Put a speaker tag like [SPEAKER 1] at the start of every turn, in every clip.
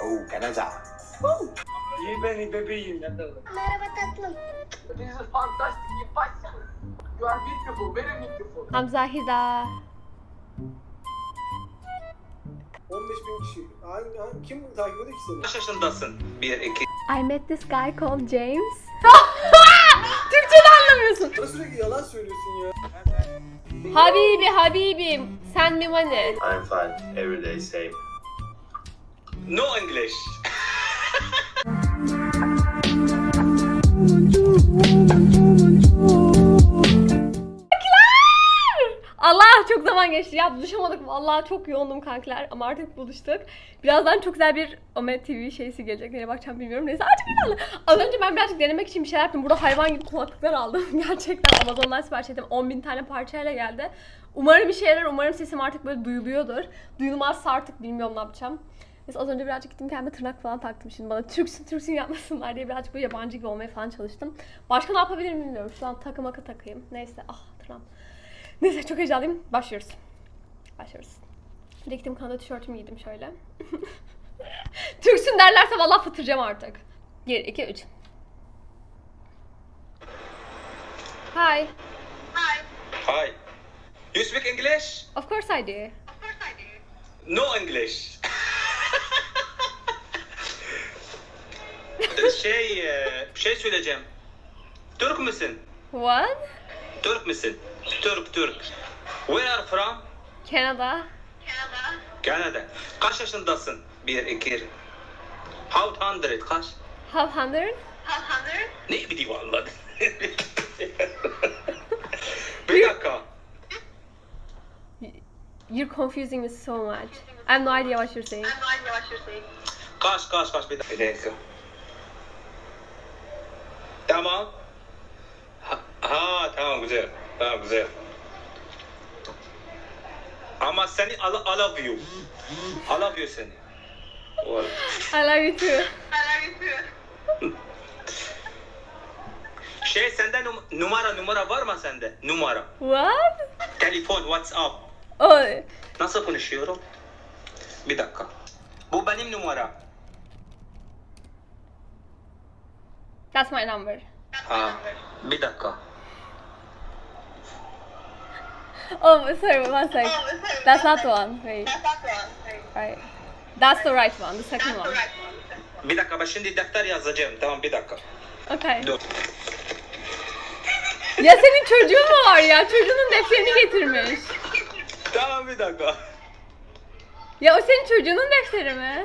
[SPEAKER 1] Canada.
[SPEAKER 2] İyi beni bebeğim.
[SPEAKER 3] Merhaba tatlım.
[SPEAKER 2] This is fantastic. Impossible. You are beautiful. Very beautiful.
[SPEAKER 4] Hamzahida.
[SPEAKER 5] 15.000 kişi. Kim takip ediyor ki seni?
[SPEAKER 1] Kaç yaşındasın? 1, 2.
[SPEAKER 4] I met this guy called James. Türkçe'de anlamıyorsun.
[SPEAKER 5] Bana sürekli yalan söylüyorsun ya.
[SPEAKER 4] Habibim, send me money.
[SPEAKER 6] I'm fine. Every day same.
[SPEAKER 1] No English.
[SPEAKER 4] Allah çok zaman geçti ya, buluşamadık vallahi, çok yoğundum kankiler ama artık buluştuk. Birazdan çok güzel bir Ome TV şeysi gelecek, nereye bakacağım bilmiyorum, neyse artık inanın. Az önce ben birazcık denemek için bir şeyler yaptım, burada hayvan gibi kulaklıklar aldım. Gerçekten Amazon'dan sipariş ettim, 10.000 tane parçayla geldi. Umarım bir şeyler, umarım sesim artık böyle duyuluyordur. Duyulmazsa artık bilmiyorum ne yapacağım. Neyse az önce birazcık gittim kendime tırnak falan taktım, şimdi bana Türksün yapmasınlar diye birazcık böyle yabancı gibi olmaya falan çalıştım. Başka ne yapabilirim bilmiyorum, şu an takı takayım, neyse tırnağım. Neyse çok heyecanlıyım. Başlıyoruz. Bir de gittim Kanada tişörtümü giydim şöyle. Türksün derlerse vallahi fıtıracağım artık. 1, 2, 3. Hi.
[SPEAKER 1] Hi. You speak English?
[SPEAKER 4] Of course I do.
[SPEAKER 1] No English. Bir şey söyleyeceğim. Türk müsün?
[SPEAKER 4] What?
[SPEAKER 1] Türk müsün? Türk. Where are you from?
[SPEAKER 4] Canada.
[SPEAKER 1] Canada. Kaç yaşındasın? 1, 2. How hundred? Kaç?
[SPEAKER 4] Half hundred?
[SPEAKER 1] Ne bileyim vallahi. Bir dakika.
[SPEAKER 4] You're confusing me so much. I have no idea what you're saying.
[SPEAKER 1] Kaç bir dakika. Tamam. Tamam güzel. Ama seni I love you. I love you seni.
[SPEAKER 4] I love you too.
[SPEAKER 1] Sende numara var mı sende? Numara.
[SPEAKER 4] What?
[SPEAKER 1] Telefon, WhatsApp.
[SPEAKER 4] Oh,
[SPEAKER 1] Nasıl konuşuyorum? Bir dakika. Bu benim numara.
[SPEAKER 4] that's my number.
[SPEAKER 1] Bir dakika.
[SPEAKER 4] Oh, sorry, one sec. That's not the one. Wait. Right. That's the right one, the second one.
[SPEAKER 1] Bir dakika ben şimdi defter yazacağım. Tamam bir dakika.
[SPEAKER 4] Okay.
[SPEAKER 1] Dur.
[SPEAKER 4] Ya senin çocuğun mu var ya? Çocuğunun defterini getirmiş.
[SPEAKER 1] Tamam bir dakika.
[SPEAKER 4] Ya o senin çocuğunun defteri mi?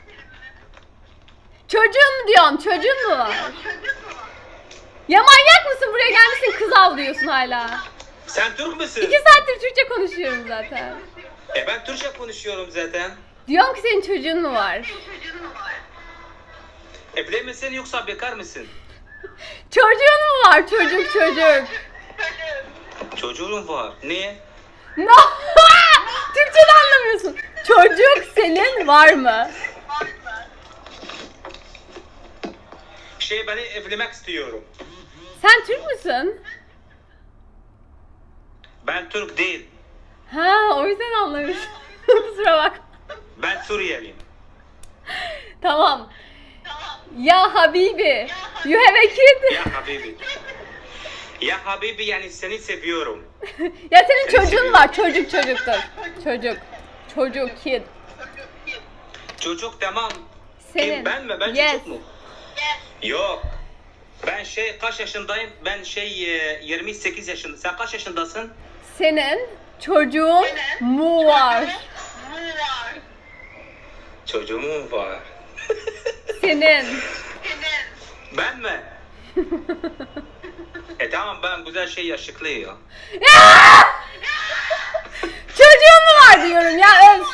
[SPEAKER 4] Çocuğun mu diyorum? Çocuğun mu var? Ya manyak mısın? Buraya gelmişsin kız avlıyorsun hala.
[SPEAKER 1] Sen Türk müsün?
[SPEAKER 4] 2 saattir Türkçe konuşuyorum zaten.
[SPEAKER 1] Ben Türkçe konuşuyorum zaten.
[SPEAKER 4] Diyorum ki senin çocuğun mu var?
[SPEAKER 1] Evli misin yoksa bekar mısın?
[SPEAKER 4] Çocuğun mu var? Çocuk.
[SPEAKER 1] Çocuğum var. Niye?
[SPEAKER 4] No! Türkçe'de anlamıyorsun. Çocuk senin var mı?
[SPEAKER 1] Beni evlenmek istiyorum.
[SPEAKER 4] Sen Türk müsün?
[SPEAKER 1] Ben Türk değil.
[SPEAKER 4] Ha, o yüzden anlamışım. Kusura bak.
[SPEAKER 1] Ben Suriyeliyim.
[SPEAKER 4] Tamam. Ya Habibi, you have a kid.
[SPEAKER 1] Ya Habibi. Ya Habibi yani seni seviyorum.
[SPEAKER 4] Ya senin çocuğun var. Çocuktur. Çocuk, kid.
[SPEAKER 1] Çocuk tamam.
[SPEAKER 4] Senin.
[SPEAKER 1] Kim ben mi? Ben
[SPEAKER 4] Yes.
[SPEAKER 1] çocuk mu? Yok. Ben kaç yaşındayım? Ben 28 yaşında. Sen kaç yaşındasın?
[SPEAKER 4] Senin çocuğun mu var?
[SPEAKER 1] Çocuğum var.
[SPEAKER 4] Senin.
[SPEAKER 1] Ben mi? Tamam ben güzel yakışıklıyım.
[SPEAKER 4] Çocuğun mu var diyorum ya, öf.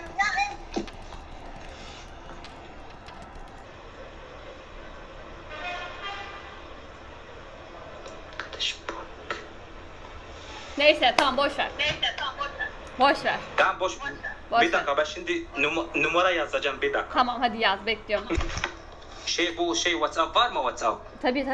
[SPEAKER 4] Neyse tamam boş ver. Boş ver.
[SPEAKER 1] Tamam boş.
[SPEAKER 4] Boş
[SPEAKER 1] Bir dakika ben şimdi numara yazacağım bir dakika.
[SPEAKER 4] Tamam hadi yaz, bekliyorum.
[SPEAKER 1] Bu WhatsApp var mı WhatsApp?
[SPEAKER 4] Tabii.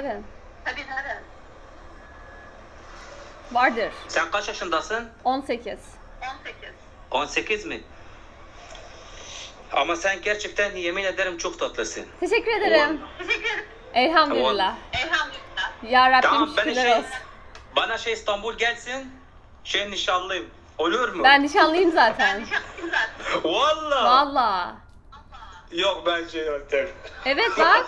[SPEAKER 4] Vardır.
[SPEAKER 1] Sen kaç yaşındasın?
[SPEAKER 4] 18.
[SPEAKER 1] 18 mi? Ama sen gerçekten yemin ederim çok tatlısın.
[SPEAKER 4] Teşekkür ederim. Elhamdülillah. Ya Rabbim
[SPEAKER 1] Tamam ben
[SPEAKER 4] şükürler
[SPEAKER 1] şey,
[SPEAKER 4] olsun.
[SPEAKER 1] bana şey İstanbul gelsin. Şey nişanlıyım. Olur mu?
[SPEAKER 4] Ben nişanlıyım zaten.
[SPEAKER 1] Valla.
[SPEAKER 4] Valla.
[SPEAKER 1] Yok ben şey yöntem.
[SPEAKER 4] Evet bak.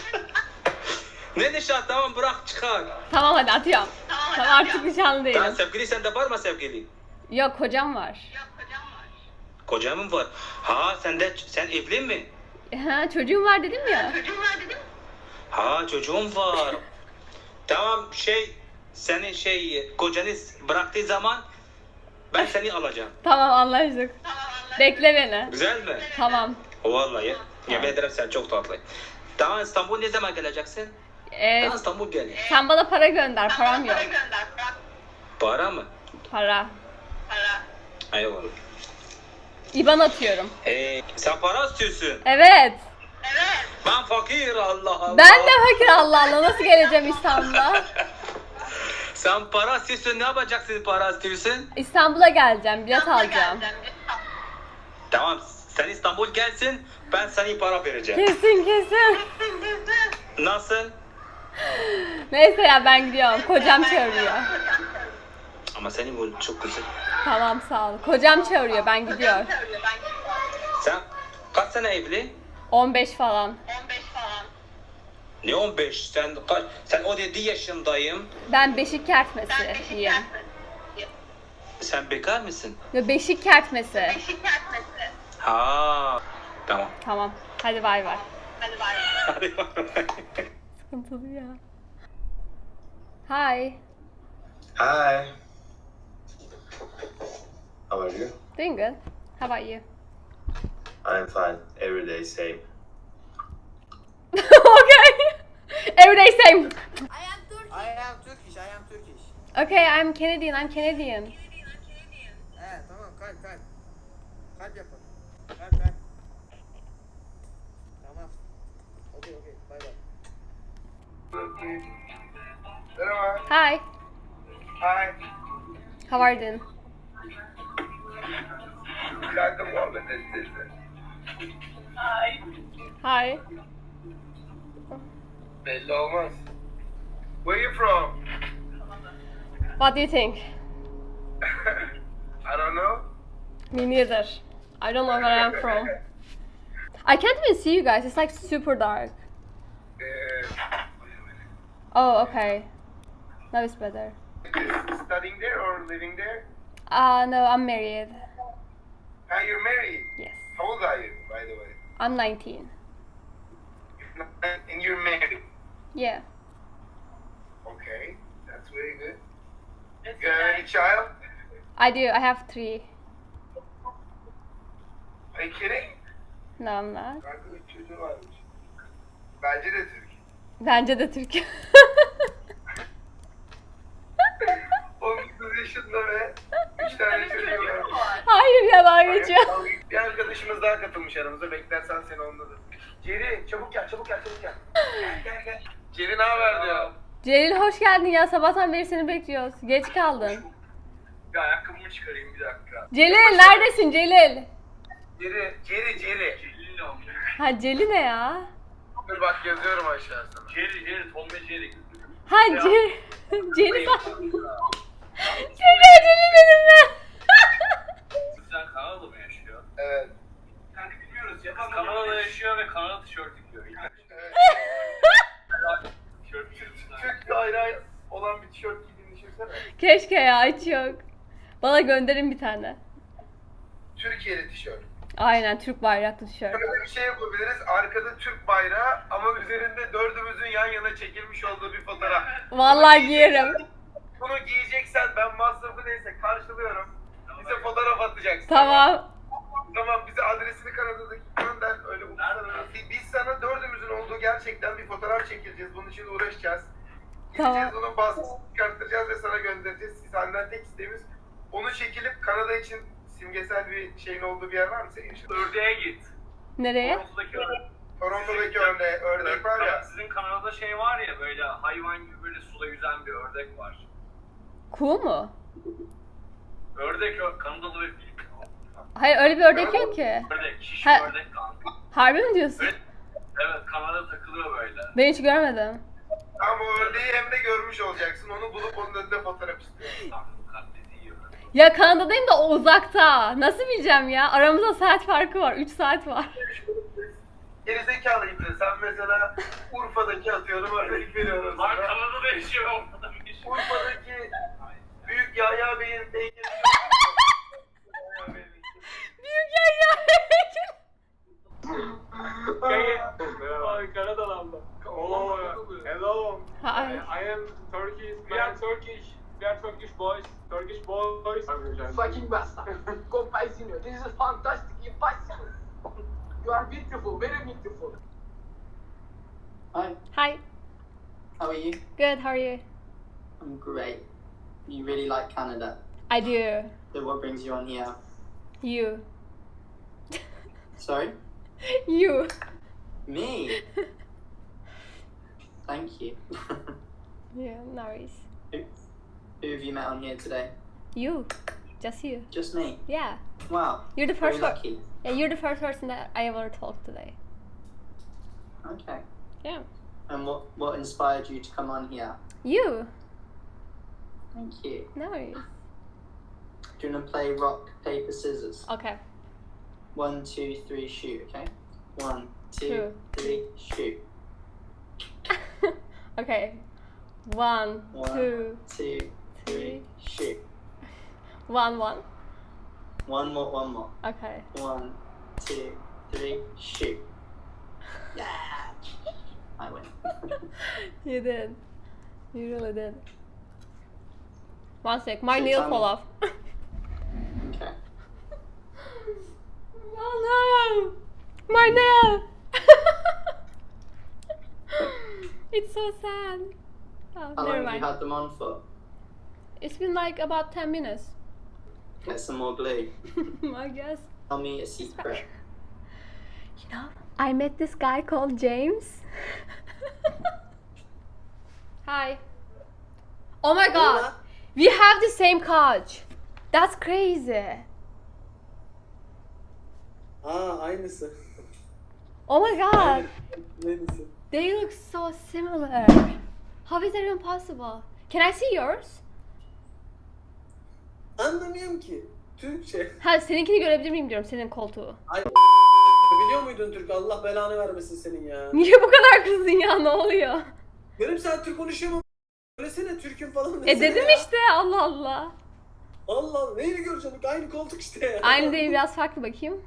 [SPEAKER 1] Ne nişan tamam bırak çıkar.
[SPEAKER 4] Tamam hadi atıyorum. Tamam artık nişanlı
[SPEAKER 1] Tamam
[SPEAKER 4] değilim.
[SPEAKER 1] sevgili sende var mı sevgili?
[SPEAKER 4] Yok kocam var.
[SPEAKER 1] Kocamın var. Ha sen evli mi?
[SPEAKER 4] Ha çocuğum var dedim ya.
[SPEAKER 1] Ha çocuğum var. Tamam şey senin şey kocanız bıraktığı zaman ben seni alacağım.
[SPEAKER 4] Tamam anlaştık. Bekle beni.
[SPEAKER 1] Güzel mi?
[SPEAKER 4] Tamam.
[SPEAKER 1] Vallahi yemin ederim sen çok tatlı. Tamam İstanbul ne zaman geleceksin? Tamam İstanbul gel.
[SPEAKER 4] Sen bana para gönder. Param yok.
[SPEAKER 1] Para mı?
[SPEAKER 4] Para.
[SPEAKER 1] Eyvallah.
[SPEAKER 4] İban atıyorum.
[SPEAKER 1] Sen para istiyorsun.
[SPEAKER 4] Evet.
[SPEAKER 1] Ben fakir Allah Allah.
[SPEAKER 4] Ben de fakir Allah Allah. Nasıl geleceğim İstanbul'a?
[SPEAKER 1] Sen para istiyorsun ne yapacaksın para istiyorsun?
[SPEAKER 4] İstanbul'a geleceğim. Bilet alacağım.
[SPEAKER 1] Tamam sen İstanbul gelsin ben sana para vereceğim.
[SPEAKER 4] Kesin kesin.
[SPEAKER 1] Nasıl?
[SPEAKER 4] Neyse ya ben gidiyorum. Kocam çağırıyor.
[SPEAKER 1] Ama senin bu çok güzel.
[SPEAKER 4] Tamam sağ ol. Kocam çağırıyor. Ben gidiyorum.
[SPEAKER 1] Sen kaç sene evli?
[SPEAKER 4] 15 falan.
[SPEAKER 1] Ne 15? Sen 17 yaşındayım.
[SPEAKER 4] Ben beşik kertmesiyim.
[SPEAKER 1] Sen bekar mısın?
[SPEAKER 4] Yo, beşik kertmesi.
[SPEAKER 1] Ha. Tamam.
[SPEAKER 4] Tamam. Hadi bay bay.
[SPEAKER 1] Hadi bakalım.
[SPEAKER 4] Sıkıntılı ya. Hi.
[SPEAKER 6] Hi. How are you?
[SPEAKER 4] Doing good. How about you?
[SPEAKER 6] I'm fine. Every day same.
[SPEAKER 4] Okay. Every day same.
[SPEAKER 5] I am Turkish.
[SPEAKER 4] Okay, I'm Canadian.
[SPEAKER 5] Tamam kalp. Kalp yapalım. Kalp. Tamam. Okay, bay bay. Merhaba.
[SPEAKER 4] Hi.
[SPEAKER 5] Hi.
[SPEAKER 4] How are you doing?
[SPEAKER 5] Kanka muhabbet edeceğiz.
[SPEAKER 4] Hi.
[SPEAKER 5] Belli olmaz. Where you from?
[SPEAKER 4] What do you think?
[SPEAKER 5] I don't know.
[SPEAKER 4] Me neither. I don't know where I'm from. I can't even see you guys. It's like super dark. Oh, okay. Now it's better.
[SPEAKER 5] Studying there or living there?
[SPEAKER 4] No, I'm married.
[SPEAKER 5] You're married.
[SPEAKER 4] Yes.
[SPEAKER 5] How old are you, by the way?
[SPEAKER 4] I'm 19.
[SPEAKER 5] And you're married.
[SPEAKER 4] Yeah.
[SPEAKER 5] Okay, that's very good. You have any child?
[SPEAKER 4] I do. I have 3.
[SPEAKER 5] Are you kidding?
[SPEAKER 4] No, I'm not.
[SPEAKER 5] Kanka 3 çocuğu varmış. Bence de Türk.
[SPEAKER 4] Bence de Türk.
[SPEAKER 5] 19 yaşında ve 3 tane çocuğu var.
[SPEAKER 4] Hayır ya dalga geçiyor.
[SPEAKER 5] Bir arkadaşımız daha katılmış aramıza. Beklersen seni onunla da. Ceri çabuk gel. Gel. Ceri ne haber diyor.
[SPEAKER 4] Celil hoş geldin ya. Sabahtan beri seni bekliyoruz. Geç kaldın.
[SPEAKER 5] Bir ayakkabımı çıkarayım bir dakika.
[SPEAKER 4] Celil neredesin Celil?
[SPEAKER 5] Ceri. Celil'le
[SPEAKER 4] Ha Celil ne ya?
[SPEAKER 5] Dur bak yazıyorum aşağı sana. Ceri, Tom ve Ceri.
[SPEAKER 4] Ha Celil. Celil bak. Celil benim mi?
[SPEAKER 3] Sen Kanada'da mı yaşıyor?
[SPEAKER 5] Evet.
[SPEAKER 3] Kanka bilmiyoruz ya. Kanada'da yaşıyor ve Kanada tişört giyiyor.
[SPEAKER 5] Evet.
[SPEAKER 3] Tişört giyiyorsun.
[SPEAKER 5] Türk bayrağı olan bir tişört giydiğini düşünsene.
[SPEAKER 4] Keşke ya hiç yok. Bana gönderin bir tane.
[SPEAKER 5] Türkiye'li tişört.
[SPEAKER 4] Aynen Türk bayraklı tişört.
[SPEAKER 5] Böyle bir şey yapabiliriz. Arkada Türk bayrağı ama üzerinde dördümüzün yan yana çekilmiş olduğu bir fotoğraf.
[SPEAKER 4] Vallahi giyerim.
[SPEAKER 5] Bunu giyeceksen ben masrafı neyse karşılıyorum. Bize fotoğraf atacaksın.
[SPEAKER 4] Tamam.
[SPEAKER 5] Tamam bize adresini Kanada'daki gönder. Öyle uluslararası. Biz sana dördümüzün olduğu gerçekten bir fotoğraf çekileceğiz. Bunun için uğraşacağız.
[SPEAKER 4] Tamam.
[SPEAKER 5] Gideceğiz onun baskısını çıkartacağız ve sana göndereceğiz. Senden tek isteğimiz onu çekilip Kanada için simgesel bir şeyin olduğu bir yer var mı senin için?
[SPEAKER 3] Ördeğe git.
[SPEAKER 4] Nereye?
[SPEAKER 3] Toronto'daki ördeğe.
[SPEAKER 5] Toronto'daki ördek var ya.
[SPEAKER 3] Sizin Kanada'da şey var ya böyle hayvan gibi böyle suda yüzen bir ördek var.
[SPEAKER 4] Kuğu mu?
[SPEAKER 3] Ördek Kanadalı ve Filipin.
[SPEAKER 4] Hayır öyle bir ördek yok ki.
[SPEAKER 3] Ördek, şiş
[SPEAKER 4] Ha.
[SPEAKER 3] ördek kanka.
[SPEAKER 4] Harbi mi diyorsun?
[SPEAKER 3] Evet, Kanada takılıyor böyle.
[SPEAKER 4] Ben hiç görmedim.
[SPEAKER 5] Ama o ördeği hem de görmüş olacaksın. Onu bulup onun önünde fotoğraf istiyorum.
[SPEAKER 3] Tam bu katledi yiyor.
[SPEAKER 4] Ya Kanada'dayım da o uzakta. Nasıl bileceğim ya? Aramızda saat farkı var. 3 saat var.
[SPEAKER 5] Gerizekalıyım de sen mesela Urfa'daki atıyorum örnek veriyorum
[SPEAKER 3] Var
[SPEAKER 5] sana.
[SPEAKER 3] Kanada'da yaşıyor, orada bir yaşıyor.
[SPEAKER 5] Urfa'daki Büyük Yahya Bey'in heykeli.
[SPEAKER 4] Büyük ya.
[SPEAKER 7] Ay Kanadalı. Oh, hello.
[SPEAKER 4] Hi.
[SPEAKER 7] I am Turkish. We are Turkish. We are Turkish boys. Turkish boys.
[SPEAKER 2] Fucking bastard. Compaisino, this is fantastic. Impossible. You are beautiful, very beautiful.
[SPEAKER 8] Hi,
[SPEAKER 4] Hi.
[SPEAKER 8] how are you?
[SPEAKER 4] Good. How are you?
[SPEAKER 8] I'm great. You really like Canada.
[SPEAKER 4] I do.
[SPEAKER 8] So what brings you on here?
[SPEAKER 4] You.
[SPEAKER 8] Sorry?
[SPEAKER 4] You.
[SPEAKER 8] Me? Thank you.
[SPEAKER 4] Yeah, no worries.
[SPEAKER 8] Who have you met on here today?
[SPEAKER 4] You. Just you.
[SPEAKER 8] Just me.
[SPEAKER 4] Yeah.
[SPEAKER 8] Wow.
[SPEAKER 4] You're the
[SPEAKER 8] Very
[SPEAKER 4] first one.
[SPEAKER 8] lucky.
[SPEAKER 4] Yeah, you're the first person that I ever talked today.
[SPEAKER 8] Okay.
[SPEAKER 4] Yeah.
[SPEAKER 8] And what inspired you to come on here?
[SPEAKER 4] You.
[SPEAKER 8] Thank you.
[SPEAKER 4] No worries.
[SPEAKER 8] Do you want to play rock, paper, scissors?
[SPEAKER 4] Okay.
[SPEAKER 8] 1, 2, 3, shoot, okay? 1, 2,
[SPEAKER 4] Two.
[SPEAKER 8] 3, shoot.
[SPEAKER 4] Okay. 1,
[SPEAKER 8] 1,
[SPEAKER 4] 2,
[SPEAKER 8] 2, 3, shoot.
[SPEAKER 4] 1, 1.
[SPEAKER 8] One more.
[SPEAKER 4] Okay.
[SPEAKER 8] 1, 2, 3, shoot. Yeah! I win.
[SPEAKER 4] You did. You really did. One sec. My
[SPEAKER 8] So
[SPEAKER 4] nail
[SPEAKER 8] tell
[SPEAKER 4] fall
[SPEAKER 8] me-
[SPEAKER 4] off.
[SPEAKER 8] Okay.
[SPEAKER 4] Oh no! My nail! It's so sad. Oh,
[SPEAKER 8] How
[SPEAKER 4] never
[SPEAKER 8] long have you
[SPEAKER 4] mind.
[SPEAKER 8] had them on for?
[SPEAKER 4] It's been like about 10 minutes.
[SPEAKER 8] Get some more glue.
[SPEAKER 4] I guess.
[SPEAKER 8] Tell me a secret.
[SPEAKER 4] You know, I met this guy called James. Hi. Oh my god. We have the same couch. That's crazy.
[SPEAKER 9] Aa aynısı.
[SPEAKER 4] Oh my god.
[SPEAKER 9] Aynısı.
[SPEAKER 4] They look so similar. How is that even possible? Can I see yours?
[SPEAKER 9] Anlamıyorum ki. Türkçe.
[SPEAKER 4] Ha seninkini görebilir miyim diyorum senin koltuğu.
[SPEAKER 9] Ay biliyor muydun Türk? Allah belanı vermesin senin ya.
[SPEAKER 4] Niye bu kadar kızdın ya ne oluyor?
[SPEAKER 9] Yarım saat Türk konuşuyorum ama söylesene Türk'üm falan desene
[SPEAKER 4] Dedim
[SPEAKER 9] ya.
[SPEAKER 4] işte Allah Allah.
[SPEAKER 9] Allah Allah neyi göreceksin? Aynı koltuk işte ya.
[SPEAKER 4] Aynı değil biraz farklı bakayım.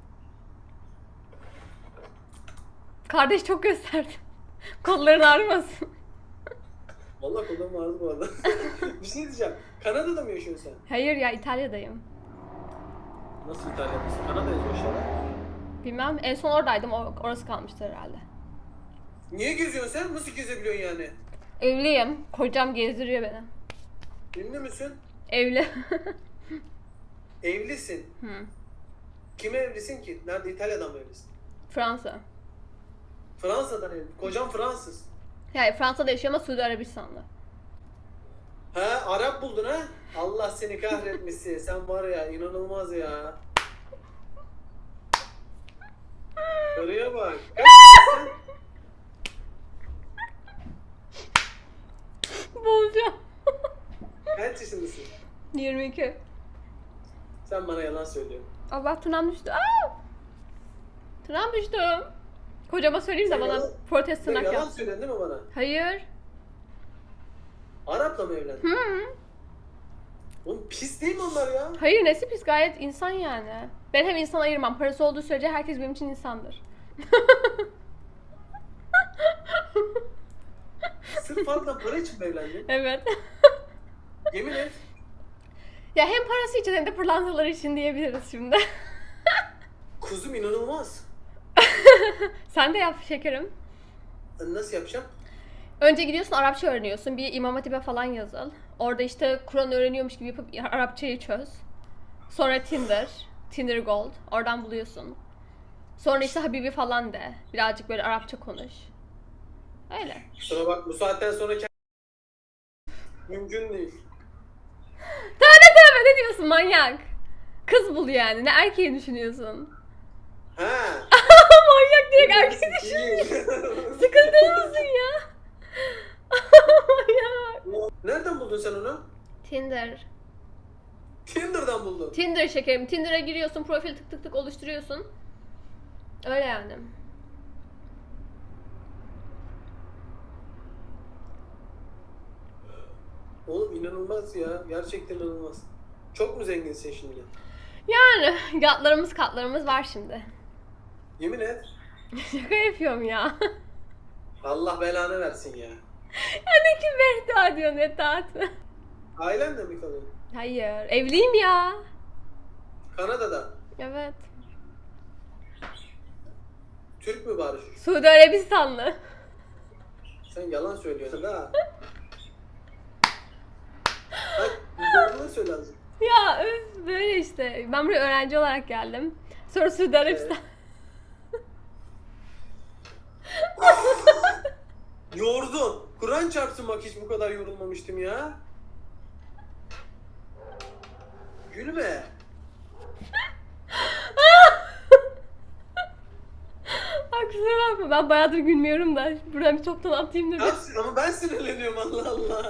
[SPEAKER 4] Kardeş çok gösterdi. Kolların ağrımasın.
[SPEAKER 9] Vallahi kolum ağrıdı bu arada. Bir şey diyeceğim. Kanada'da mı yaşıyorsun sen?
[SPEAKER 4] Hayır ya İtalya'dayım.
[SPEAKER 9] Nasıl İtalya'dasın? Kanada yazıyor aşağıda.
[SPEAKER 4] Bilmem en son oradaydım orası kalmıştı herhalde.
[SPEAKER 9] Niye geziyorsun sen? Nasıl gezebiliyorsun yani?
[SPEAKER 4] Evliyim. Kocam gezdiriyor beni.
[SPEAKER 9] Ünlü müsün?
[SPEAKER 4] Evli.
[SPEAKER 9] Evlisin.
[SPEAKER 4] Hı.
[SPEAKER 9] Kime evlisin ki? Nerede? İtalya'dan mı evlisin?
[SPEAKER 4] Fransa.
[SPEAKER 9] Fransa'dan evli. Kocam Fransız.
[SPEAKER 4] Yani Fransa'da yaşıyor ama Suudi Arabistan'da.
[SPEAKER 9] Ha Arap buldun ha? Allah seni kahretmesin. Sen var ya inanılmaz ya. Karıya bak. Kaç yaşındasın?
[SPEAKER 4] Bozacağım.
[SPEAKER 9] Kaç yaşındasın?
[SPEAKER 4] 22.
[SPEAKER 9] Sen bana yalan söylüyorsun.
[SPEAKER 4] Allah tırnağım düştü. Aa! Tırnağım düştü. Kocama söyleyeyim de
[SPEAKER 9] Sen
[SPEAKER 4] bana
[SPEAKER 9] yalan-
[SPEAKER 4] protest
[SPEAKER 9] Sen
[SPEAKER 4] tırnak
[SPEAKER 9] yalan
[SPEAKER 4] yapsın.
[SPEAKER 9] söylüyorsun değil mi bana?
[SPEAKER 4] Hayır.
[SPEAKER 9] Arap'la mı evlendin?
[SPEAKER 4] Hı.
[SPEAKER 9] Oğlum pis değil mi onlar ya?
[SPEAKER 4] Hayır nesi pis gayet insan yani. Ben hem insan ayırmam. Parası olduğu sürece herkes benim için insandır.
[SPEAKER 9] Sırf fazla para için mi evlendin?
[SPEAKER 4] Evet.
[SPEAKER 9] Yemin et.
[SPEAKER 4] Ya hem parası için hem de pırlantaları için diyebiliriz şimdi.
[SPEAKER 9] Kuzum inanılmaz.
[SPEAKER 4] Sen de yap şekerim.
[SPEAKER 9] Nasıl yapacağım?
[SPEAKER 4] Önce gidiyorsun Arapça öğreniyorsun. Bir İmam Hatip'e falan yazıl. Orada işte Kur'an öğreniyormuş gibi yapıp Arapçayı çöz. Sonra Tinder Gold. Oradan buluyorsun. Sonra işte Habibi falan de. Birazcık böyle Arapça konuş. Öyle.
[SPEAKER 9] Kusura bak bu saatten sonra mümkün değil.
[SPEAKER 4] Tövbe tövbe ne diyorsun manyak? Kız bul yani. Ne erkeği düşünüyorsun?
[SPEAKER 9] Ha.
[SPEAKER 4] Manyak direkt erkeği düşünüyor. Sıkıldın mısın ya? Manyak.
[SPEAKER 9] Nereden buldun sen onu?
[SPEAKER 4] Tinder.
[SPEAKER 9] Tinder'dan buldun.
[SPEAKER 4] Tinder şekerim. Tinder'a giriyorsun, profil tık tık tık oluşturuyorsun. Öyle yani.
[SPEAKER 9] Oğlum inanılmaz ya. Gerçekten inanılmaz. Çok mu zenginsin şimdi?
[SPEAKER 4] Yani yatlarımız katlarımız var şimdi.
[SPEAKER 9] Yemin et.
[SPEAKER 4] Şaka yapıyorum ya.
[SPEAKER 9] Allah belanı versin ya.
[SPEAKER 4] Ya ne kim beddua diyorsun Etat?
[SPEAKER 9] Ailenle mi kalıyorsun?
[SPEAKER 4] Hayır. Evliyim ya.
[SPEAKER 9] Kanada'da.
[SPEAKER 4] Evet.
[SPEAKER 9] Türk mü bari?
[SPEAKER 4] Suudi Arabistanlı.
[SPEAKER 9] Sen yalan söylüyorsun ha. Bak doğruları söyle azıcık.
[SPEAKER 4] Ya öf, böyle işte. Ben buraya öğrenci olarak geldim. Sonra Suudi Arabistan.
[SPEAKER 9] Yordun. Kur'an çarpsın bak hiç bu kadar yorulmamıştım ya. Gülme.
[SPEAKER 4] Ay kusura bakma, ben bayağıdır gülmüyorum da. Buradan bir toptan atayım da bir.
[SPEAKER 9] Ama ben sinirleniyorum Allah Allah.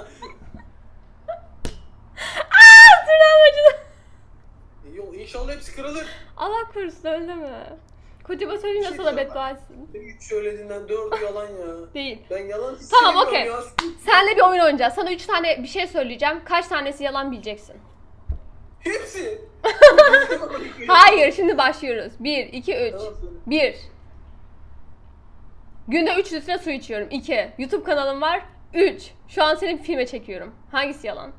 [SPEAKER 4] Tırnağım acıdı.
[SPEAKER 9] Yok inşallah hepsi kırılır.
[SPEAKER 4] Allah korusun öyle mi? Kocama söyleyeyim de
[SPEAKER 9] Bir şey
[SPEAKER 4] sana
[SPEAKER 9] diyeceğim
[SPEAKER 4] beddua etsin.
[SPEAKER 9] 3 söylediğinden 4'ü yalan ya.
[SPEAKER 4] Değil.
[SPEAKER 9] Ben yalan hiç
[SPEAKER 4] Tamam,
[SPEAKER 9] sevmiyorum
[SPEAKER 4] okey.
[SPEAKER 9] ya.
[SPEAKER 4] Senle bir oyun oynayacağız. Sana 3 tane bir şey söyleyeceğim. Kaç tanesi yalan bileceksin.
[SPEAKER 9] Hepsi.
[SPEAKER 4] Hayır, şimdi başlıyoruz. 1, 2, 3.
[SPEAKER 9] Tamam, söyle.
[SPEAKER 4] 1. Günde 3 litre su içiyorum. 2. YouTube kanalım var. 3. Şu an seni bir filme çekiyorum. Hangisi yalan?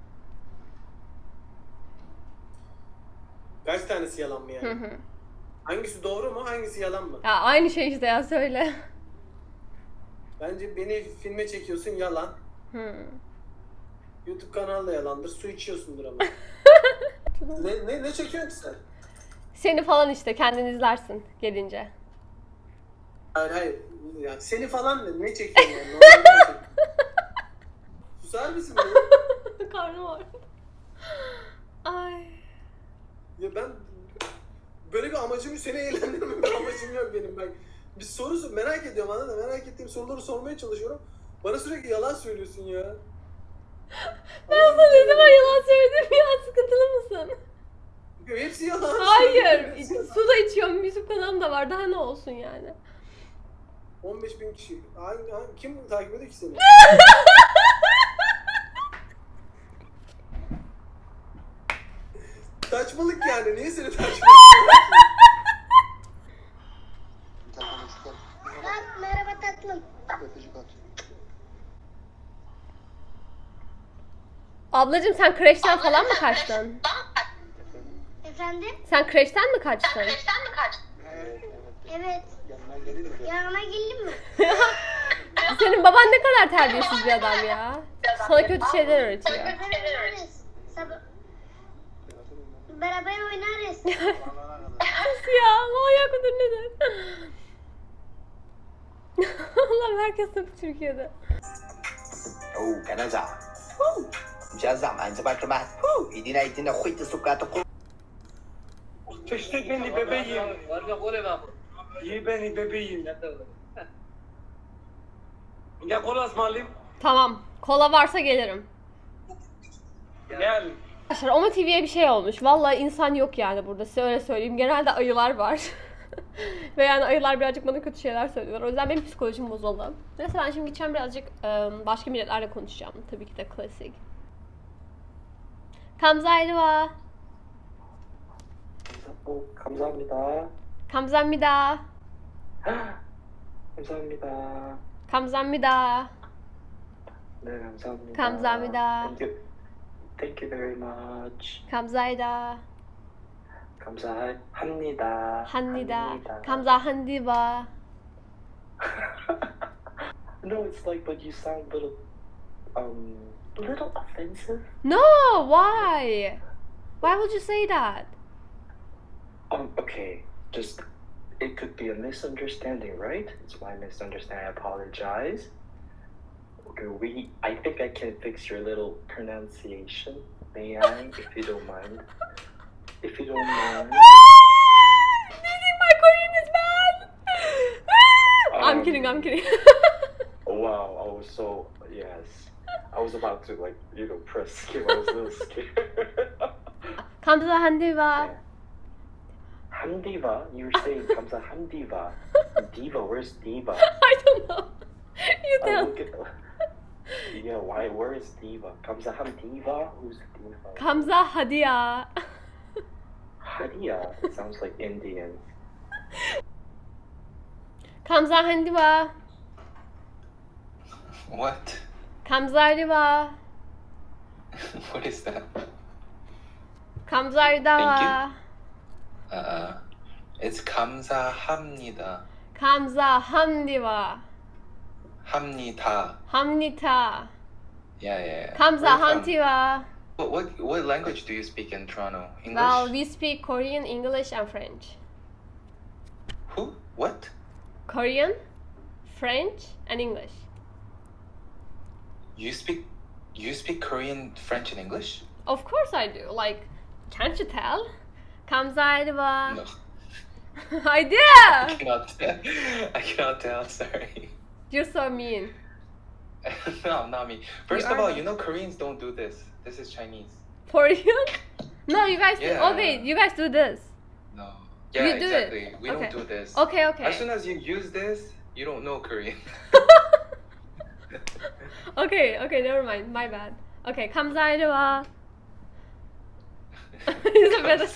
[SPEAKER 9] Kaç tanesi yalan mı yani?
[SPEAKER 4] Hı hı.
[SPEAKER 9] Hangisi doğru mu hangisi yalan mı?
[SPEAKER 4] Ya aynı şey işte ya, söyle.
[SPEAKER 9] Bence beni filme çekiyorsun yalan.
[SPEAKER 4] Hı.
[SPEAKER 9] YouTube kanalı da yalandır. Su içiyorsundur ama. ne çekiyorsun ki sen?
[SPEAKER 4] Seni falan işte kendin izlersin gelince.
[SPEAKER 9] Hayır. Yani seni falan ne çekiyorsun yani? Normalde ne çekiyorsun? Susar mısın beni?
[SPEAKER 4] Karnım ağrıyor. Ay.
[SPEAKER 9] Ya ben böyle bir amacım seni eğlendirme bir amacım yok benim ben. Bir soru merak ediyorum anladın mı? Merak ettiğim soruları sormaya çalışıyorum. Bana sürekli yalan söylüyorsun ya.
[SPEAKER 4] Ben sana ne zaman yalan söyledim ya, sıkıntılı mısın?
[SPEAKER 9] Hepsi yalan.
[SPEAKER 4] Hayır. Su da içiyorum. YouTube kanalım da var. Daha ne olsun yani?
[SPEAKER 9] 15.000 kişi. Kim takip ediyor ki seni? Saçmalık yani. Niye seni takip ediyor?
[SPEAKER 10] Merhaba tatlım.
[SPEAKER 4] Ablacığım sen kreşten falan mı kaçtın?
[SPEAKER 10] Efendim?
[SPEAKER 4] Sen kreşten mi kaçtın?
[SPEAKER 10] Evet. Yanına geldin mi?
[SPEAKER 4] Senin baban ne kadar terbiyesiz bir adam ya. Sana kötü şeyler öğretiyor.
[SPEAKER 10] Beraber oynarız. Beraber oynarız.
[SPEAKER 4] Sus ya, manyak mıdır nedir? Allah'ım herkes tabii Türkiye'de.
[SPEAKER 11] Oh, cái nó giỏi. Cha giảm ảnh cho ba cho bạn. Ý đi này thì nó khuếch từ sụp cả tóc.
[SPEAKER 7] Teşvik beni bebeğim. İyi beni bebeğim. Ya kola ısmarlayayım.
[SPEAKER 4] Tamam, kola varsa gelirim.
[SPEAKER 7] Gel.
[SPEAKER 4] Arkadaşlar Oma TV'ye bir şey olmuş. Vallahi insan yok yani burada, size öyle söyleyeyim. Genelde ayılar var. Ve yani ayılar birazcık bana kötü şeyler söylüyorlar. O yüzden benim psikolojim bozuldu. Neyse ben şimdi gideceğim birazcık başka milletlerle konuşacağım. Tabii ki de klasik. 감사합니다.
[SPEAKER 12] 감사합니다.
[SPEAKER 4] 감사합니다.
[SPEAKER 12] 감사합니다.
[SPEAKER 4] 감사합니다.
[SPEAKER 12] 네, 감사합니다.
[SPEAKER 4] 감사합니다.
[SPEAKER 12] Thank you very much.
[SPEAKER 4] 감사합니다.
[SPEAKER 12] 감사합니다.
[SPEAKER 4] 합니다. 감사합니다.
[SPEAKER 12] No, it's like, but you sound little offensive.
[SPEAKER 4] No, why? Why would you say that?
[SPEAKER 12] Okay, just, it could be a misunderstanding, right? It's my misunderstanding, I apologize. Okay, I think I can fix your little pronunciation, may I, if you don't mind? if you don't mind.
[SPEAKER 4] Do you think my Korean is bad? I'm kidding, I'm kidding.
[SPEAKER 12] Wow, I was so, yes. I was about to, like, you know, press skip. I was a little scared.
[SPEAKER 4] 감사합니다.
[SPEAKER 12] Hamdiva? You were saying 감사합니다. Diva, where's Diva?
[SPEAKER 4] I don't know. You tell.
[SPEAKER 12] Look at, yeah, why? Where is Diva? 감사합니다? Who's Diva?
[SPEAKER 4] 감사하디야.
[SPEAKER 12] Hadia. It sounds like Indian.
[SPEAKER 4] 감사합니다.
[SPEAKER 6] What?
[SPEAKER 4] 감사합니다.
[SPEAKER 6] What is that?
[SPEAKER 4] 감사합니다.
[SPEAKER 6] It's 감사합니다.
[SPEAKER 4] 감사합니다.
[SPEAKER 6] 합니다.
[SPEAKER 4] 합니다.
[SPEAKER 6] Yeah.
[SPEAKER 4] 감사합니다.
[SPEAKER 6] What language do you speak in Toronto? English?
[SPEAKER 4] Well, we speak Korean, English, and French.
[SPEAKER 6] Who? What?
[SPEAKER 4] Korean, French, and English.
[SPEAKER 6] You speak Korean, French, and English?
[SPEAKER 4] Of course I do. Like, can't you tell? 감사합니다.
[SPEAKER 6] No.
[SPEAKER 4] I do.
[SPEAKER 6] I cannot tell, sorry.
[SPEAKER 4] You're so mean.
[SPEAKER 6] No, not me. First
[SPEAKER 4] You
[SPEAKER 6] of
[SPEAKER 4] are
[SPEAKER 6] all,
[SPEAKER 4] not.
[SPEAKER 6] you know Koreans don't do this. This is Chinese.
[SPEAKER 4] For you? No, you guys do.
[SPEAKER 6] Yeah.
[SPEAKER 4] Oh wait, you guys do this.
[SPEAKER 6] No. Yeah,
[SPEAKER 4] You do it.
[SPEAKER 6] exactly. We
[SPEAKER 4] Okay.
[SPEAKER 6] don't do this.
[SPEAKER 4] Okay,
[SPEAKER 6] As soon
[SPEAKER 4] okay.
[SPEAKER 6] as you use this, you don't know Korean.
[SPEAKER 4] Okay, never mind. My bad. Okay, 감사합니다. Is it better?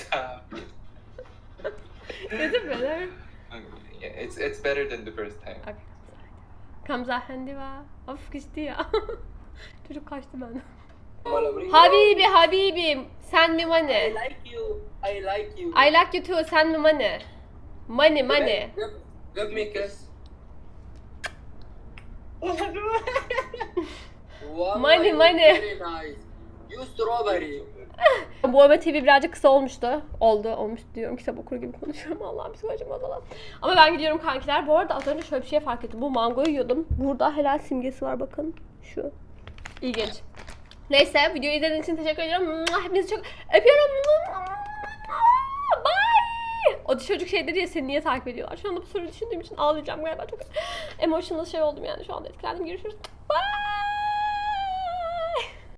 [SPEAKER 4] Is it better?
[SPEAKER 6] Yeah, it's better than the first time.
[SPEAKER 4] Okay. 감사합니다. Of geçti ya. Çocuk kaçtı benden. Habibim, send me money.
[SPEAKER 8] I like you. I like you.
[SPEAKER 4] I like you too, send me money. Money.
[SPEAKER 8] Give me a kiss. Wow,
[SPEAKER 4] Money.
[SPEAKER 8] Very nice. You strawberry.
[SPEAKER 4] Bu Ömer TV birazcık kısa olmuştu. Olmuş diyorum. Kitap okur gibi konuşuyorum. Allah'ım psikolojim bozuldu. Ama ben gidiyorum kankiler. Bu arada az önce şöyle bir şey fark ettim. Bu mangoyu yiyordum. Burada helal simgesi var bakın. Şu. İlginç. Neyse videoyu izlediğiniz için teşekkür ediyorum. Hepinizi çok öpüyorum. Bye. O çocuk şey dedi ya seni niye takip ediyorlar. Şu anda bu soruyu düşündüğüm için ağlayacağım galiba. Çok emotional şey oldum yani şu anda etkilendim. Görüşürüz. Bye.